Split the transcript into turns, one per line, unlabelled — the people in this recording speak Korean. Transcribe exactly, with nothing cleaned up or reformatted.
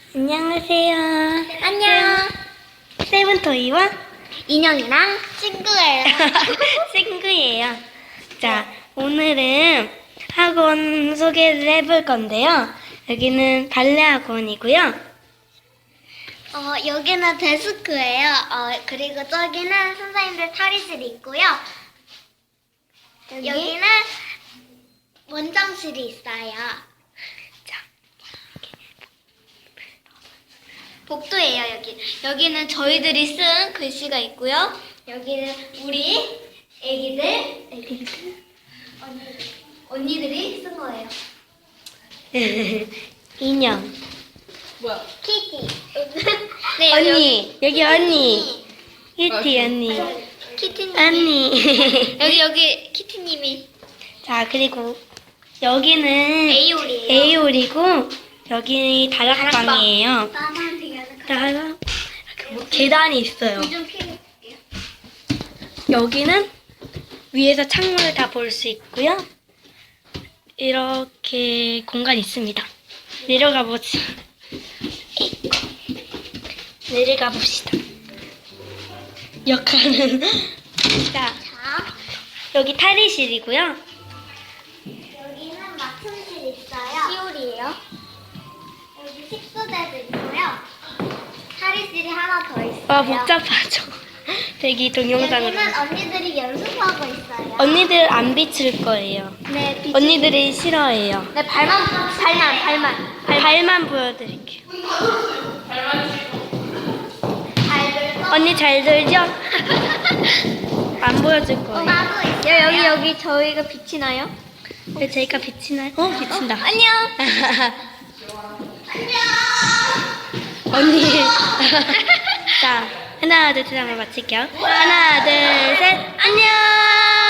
안녕하세요.
안녕.
세븐토이와
인형이랑 친구예요.
친구예요. 자, 오늘은 학원 소개를 해볼 건데요. 여기는 발레 학원이고요.
어, 여기는 데스크예요. 어, 그리고 저기는 선생님들 탈의실이 있고요.
여기?
여기는 원장실이 있어요.
자,
복도예요, 여기. 여기는 저희들이 쓴 글씨가 있고요. 여기는 우리 애기들, 애기들, 언니들, 언니들이 쓴 거예요.
인형.
뭐야?
키티. 네, 여기,
언니, 여기 언니. 키티 언니.
키티님.
언니.
여기, 여기 키티님이
자, 그리고 여기는
에이올이에요.
에이올이고 여기 다락방이에요.
나만 되게
다락. 이렇게 뭐 계단이 있어요.
좀 피해볼게요.
여기는 위에서 창문을 다 볼 수 있고요. 이렇게 공간이 있습니다. 내려가 보지. 내려가 봅시다. 역할은 자,
자,
여기 탈의실이고요.
여기는 맡음실 있어요. 시올이에요. 여기 식수대도 있고요. 탈의실이 하나 더 있어요.
와, 복잡하죠. 되게 동영상으로.
여기는 언니들이 연습하고 있어요.
언니들 안 비칠 거예요.
네, 비...
언니들이 싫어해요.
네, 발만, 발만, 발만.
발만 보여드릴게요.
발들도.
언니 잘 들죠? 안 보여줄
어,
거예요.
나도 있어요. 여기, 여기 저희가 빛이 나요?
왜 저희가 비치나요? 어, 비친다.
안녕.
언니. 자, 하나, 둘, 셋 하면 마칠게요. 하나, 둘, 셋. 안녕!